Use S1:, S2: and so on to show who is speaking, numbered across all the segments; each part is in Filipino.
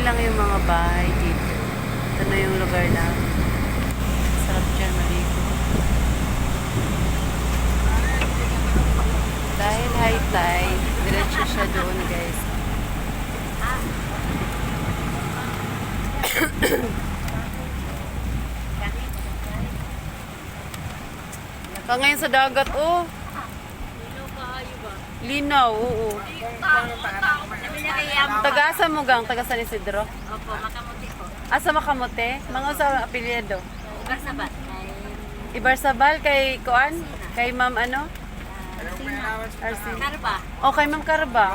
S1: lang yung mga bahay dito. Ito na yung lugar na sarap dyan maligo. Dahil high tide, diretso siya doon guys. Naka ngayon sa dagat, oh. Linaw, oo. Tagasa mo gang, taga San Isidro?
S2: Opo, Makamuti po.
S1: Asa Makamote? Mga sa apelyido?
S2: Garsabat.
S1: Ibarsabal kay Kuan? Kay Ma'am ano? Arsin.
S2: Karba.
S1: O kay Ma'am Karba.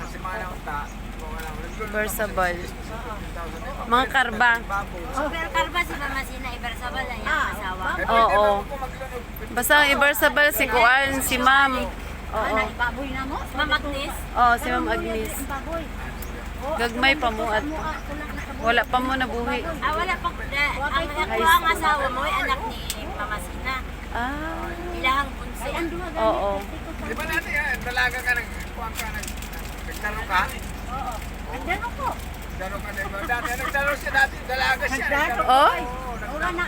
S1: Ibarsabal. Mga Karba.
S2: Pero Karba si Mama Sina Ibarsabal ay ang asawa.
S1: Oo. Basta ang Ibarsabal si Kuan, si Ma'am. Oo.
S2: Baboy na mo? Ma'am Agnes.
S1: Oo, si Ma'am Agnes. Gagmay pa mo at wala pa mo nabuhi.
S2: Wala pa. Ang nakuha ang asawa mo ay anak ni Mama Sina.
S1: Ah.
S2: Ilahang bunso.
S1: Oo.
S3: Di ba natin yan? Dalaga ka nagkuhan ka, nagtaro ka?
S2: Oo. Nagdano po.
S3: Daro ka, di ba? Dati, nagtaro siya dati, dalaga siya.
S1: Oh?
S2: Wala na